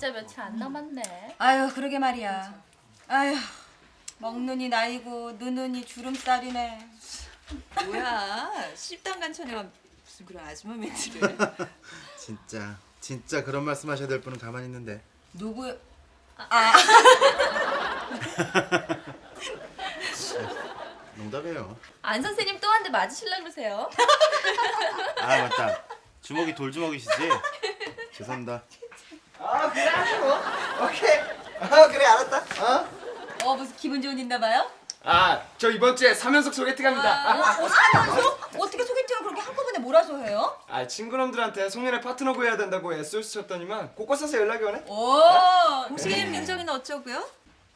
진짜 며칠 안 남았네. 아유 그러게 말이야. 아유 먹느니 나이고 느느니 주름살이네. 뭐야? 씹당간천에만 무슨 그런 아줌마 멘트를. 진짜 그런 말씀하셔야 될 분은 가만히 있는데. 누구? 농담이에요. 안 선생님 또 한 대 맞으실라 그러세요? 아 맞다. 주먹이 돌주먹이시지? 죄송합니다. 그래 하시고. 오케이. 그래 알았다. 무슨 기분 좋은 일 있나 봐요? 저 이번 주에 3연속 소개팅 합니다. 사면서? 어떻게 소개팅을 그렇게 한꺼번에 몰아서 해요? 친구놈들한테 송년회 파트너 구해야 된다고 SOS 쳤더니만 곳곳에서 연락이 오네. 오. 공식 애인 민정이는 어쩌고요?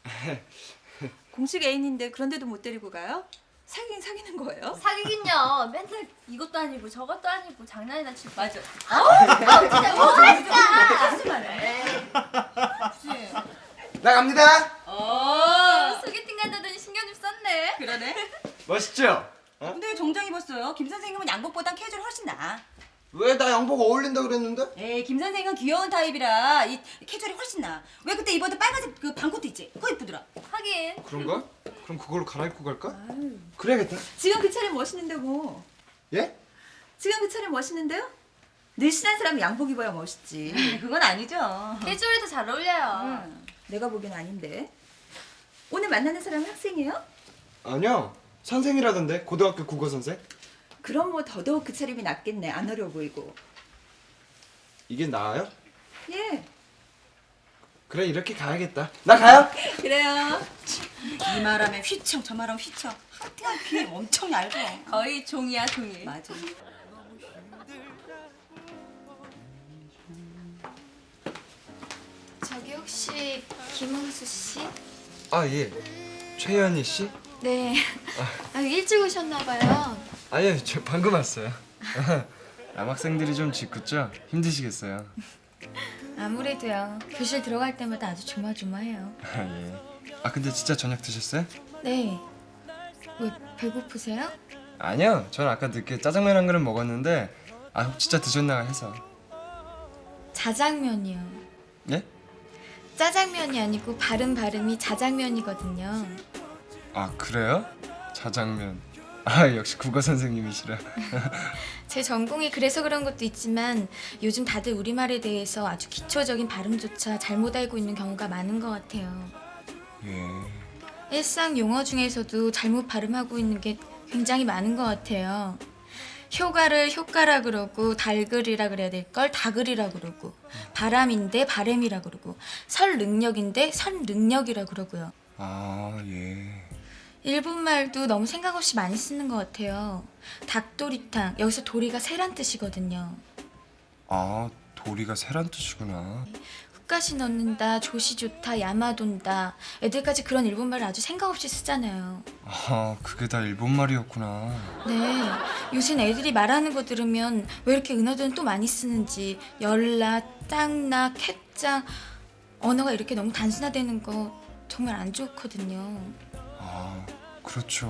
공식 애인인데 그런데도 못 데리고 가요? 사귀는 거예요? 사귀긴요. 맨날 이것도 아니고 저것도 아니고 장난이나 치고. 맞아. 진짜 뭐하니까. 나갑니다. 소개팅 간다더니 신경 좀 썼네. 그러네. 멋있죠? 근데 왜 정장 입었어요? 김 선생님은 양복보단 캐주얼 훨씬 나아. 왜 나 양복 어울린다 그랬는데? 에이 김 선생은 귀여운 타입이라 이 캐주얼이 훨씬 나아. 왜 그때 입었던 빨간색 그 반코트 있지? 그거 이쁘더라. 하긴. 그런가? 그럼 그걸로 갈아입고 갈까? 그래야겠다. 지금 그 차림 멋있는데 뭐. 예? 지금 그 차림 멋있는데요? 늘씬한 사람이 양복 입어야 멋있지. 그건 아니죠. 캐주얼이 더 잘 어울려요. 내가 보기엔 아닌데. 오늘 만나는 사람은 학생이에요? 아니요. 선생이라던데 고등학교 국어 선생. 그럼 뭐 더더욱 그 차림이 낫겠네. 안 어려 보이고. 이게 나아요? 예. 그래 이렇게 가야겠다. 나 가요. 그래요. 이 말하면 휘청 저 말하면 휘청. 하여튼 귀 엄청 얇아. 거의 종이야 종이. 맞아. 저기 혹시 김홍수 씨? 예. 최현희 씨? 네. 일찍 오셨나 봐요. 아니요, 저 방금 왔어요. 남학생들이 좀 짓궂죠? 힘드시겠어요. 아무래도요. 교실 들어갈 때마다 아주 조마조마해요. 예. 근데 진짜 저녁 드셨어요? 네. 왜 배고프세요? 아니요, 전 아까 늦게 짜장면 한 그릇 먹었는데 진짜 드셨나 해서. 자장면이요. 예? 짜장면이 아니고 발음이 자장면이거든요. 그래요? 자장면. 역시 국어 선생님이시라. 제 전공이 그래서 그런 것도 있지만 요즘 다들 우리말에 대해서 아주 기초적인 발음조차 잘못 알고 있는 경우가 많은 것 같아요. 예. 일상 용어 중에서도 잘못 발음하고 있는 게 굉장히 많은 것 같아요. 효과를 효과라 그러고 달글이라 그래야 될 걸 다글이라 그러고 바람인데 바램이라 그러고 설 능력인데 선 능력이라 그러고요. 예. 일본 말도 너무 생각 없이 많이 쓰는 것 같아요. 닭도리탕, 여기서 도리가 새란 뜻이거든요. 도리가 새란 뜻이구나. 훅가시 넣는다, 조시 좋다, 야마돈다. 애들까지 그런 일본 말을 아주 생각 없이 쓰잖아요. 그게 다 일본 말이었구나. 네, 요새는 애들이 말하는 거 들으면 왜 이렇게 은어들은 또 많이 쓰는지 열나, 짱나, 캣짱 언어가 이렇게 너무 단순화되는 거 정말 안 좋거든요. 그렇죠.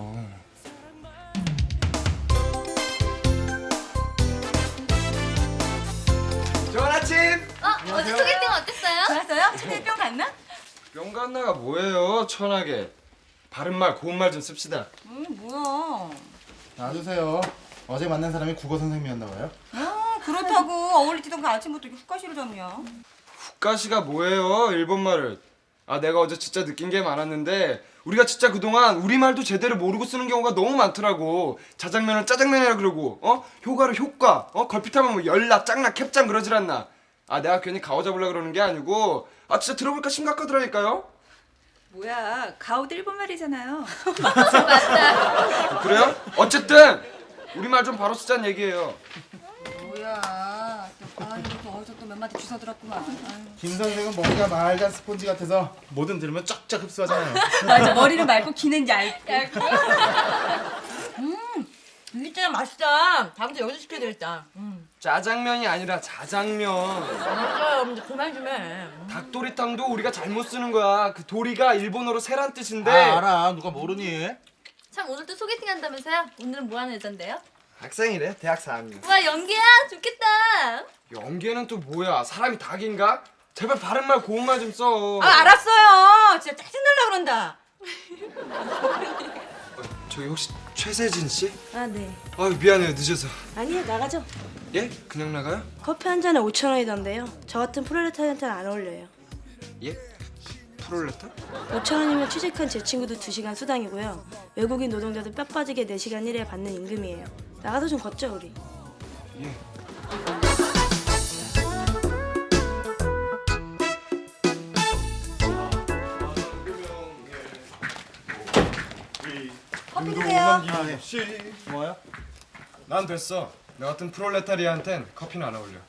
좋은 아침! 어제 소개팅 어땠어요? 좋았어요? 첫째 뿅 갔나? 명간나가 뭐예요, 천하게. 바른말 고운말 좀 씁시다. 뭐야. 놔두세요. 어제 만난 사람이 국어 선생님이었나 봐요. 그렇다고 어울리지던 그 아침부터 이렇게 훅가시를 잡냐. 국가시가 뭐예요, 일본말을. 내가 어제 진짜 느낀 게 많았는데 우리가 진짜 그동안 우리말도 제대로 모르고 쓰는 경우가 너무 많더라고. 자장면을 짜장면이라 그러고 효과를 효과, 걸핏하면 뭐 열나, 짱나, 캡짱 그러질 않나. 내가 괜히 가오 잡으려고 그러는 게 아니고 진짜 들어보니까 심각하더라니까요. 뭐야? 가오도 일본 말이잖아요. 그래요? 어쨌든 우리말 좀 바로 쓰자는 얘기예요. 뭐야. 또 어디서 또 몇 마디 주워 들었구만. 김 선생은 머리가 말간 스폰지 같아서 뭐든 들으면 쫙쫙 흡수하잖아요. 맞아. 머리는 맑고 귀는 얇고. 이게 진짜 맛있다. 다음부터 여기서 시켜야 되겠다. 짜장면이 아니라 자장면. 맞아요. 근데 그만 좀 해. 닭도리탕도 우리가 잘못 쓰는 거야. 그 도리가 일본어로 새란 뜻인데. 알아. 누가 모르니? 참 오늘 또 소개팅 한다면서요? 오늘은 뭐 하는 여잔데요? 학생이래. 대학 4학년. 와 연기야 좋겠다. 연계는 또 뭐야? 사람이 닭인가? 제발 바른말 고운말 좀 써. 아 알았어요. 진짜 짜증날라 그런다. 저기 혹시 최세진 씨? 아, 네. 아유 미안해요 늦어서. 아니요, 나가죠. 예? 그냥 나가요? 커피 한 잔에 5,000원이던데요. 저 같은 프롤레타리한테는 안 어울려요. 예? 프롤레타? 5,000원이면 취직한 제 친구도 2시간 수당이고요. 외국인 노동자도 뼈 빠지게 4시간 일에 받는 임금이에요. 나가서 좀 걷죠, 우리. 예. 커피 드세요. 뭐야? 난 됐어. 나 같은 프롤레타리아한텐 커피는 안 어울려.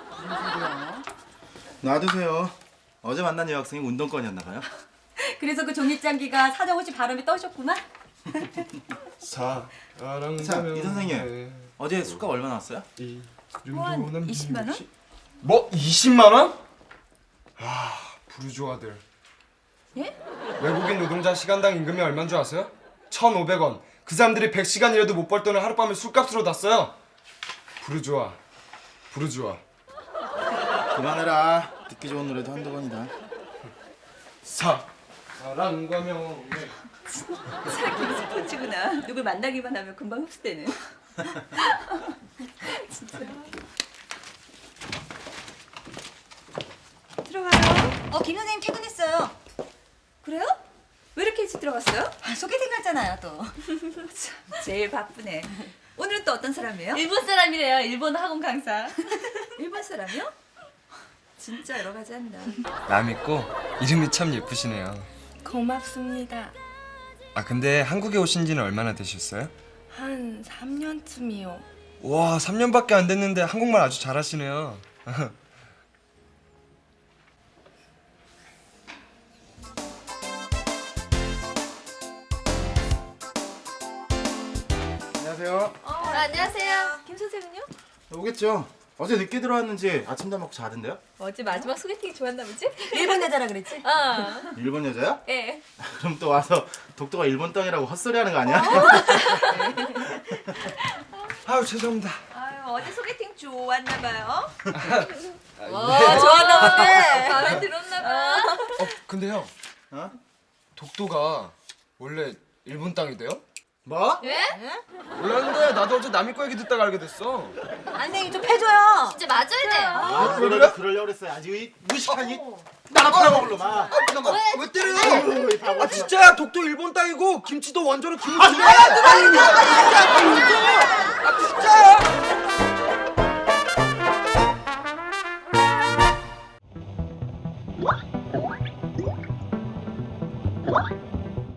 놔두세요. 어제 만난 여학생이 운동권이었나 봐요. 그래서 그 종이장기가 사정없이 바람에 떠셨구만. 자, 이 선생님. 어제 술값 얼마 나왔어요? 한 20만 원? 뭐 20만 원? 아 부르주아들. 예? 외국인 노동자 시간당 임금이 얼마인 줄 아세요? 1,500원. 그 사람들이 100시간 일해도 못 벌 돈을 하룻밤에 술값으로 다 써요. 부르주아. 그만해라. 듣기 좋은 노래도 한두 번이다. 사랑과 명예. 사기 스포츠구나. 누굴 만나기만 하면 금방 흡수되는. 진짜. 들어가요. 김 선생님 퇴근했어요. 그래요? 왜 이렇게 일찍 들어갔어요? 아, 소개팅 갔잖아요 또. 제일 바쁘네. 오늘은 또 어떤 사람이에요? 일본 사람이래요. 일본 학원 강사. 일본 사람이요? 진짜 여러 가지 한다. 남 있고 이름이 참 예쁘시네요. 고맙습니다. 아 근데 한국에 오신 지는 얼마나 되셨어요? 한 3년쯤이요. 와 3년밖에 안 됐는데 한국말 아주 잘하시네요. 안녕하세요. 안녕하세요. 김 선생은요? 오겠죠. 어제 늦게 들어왔는지 아침 다 먹고 자던데요? 어제 마지막 소개팅 좋았나 보지? 일본 여자라 그랬지? 어. 일본 여자야? 예. 그럼 또 와서 독도가 일본 땅이라고 헛소리하는 거 아니야? 아유 죄송합니다. 아유, 어제 소개팅 좋았나 봐요. 좋았나 본데. 마음에 들었나 봐. 근데 형 어? 독도가 원래 일본 땅이 돼요? 뭐? 예? 몰랐는데 나도 어제 남이 거 얘기 듣다가 알게 됐어. 선생님 좀 패줘요. 진짜 맞아야 돼. 아, 그러려고 그랬어요. 아주 이 무식한 이 나가 팔아먹을로 막. 왜 때려요? 아유, 이 바보. 아 진짜야 독도 일본 땅이고 김치도 원조는 김치. 아, 진짜야?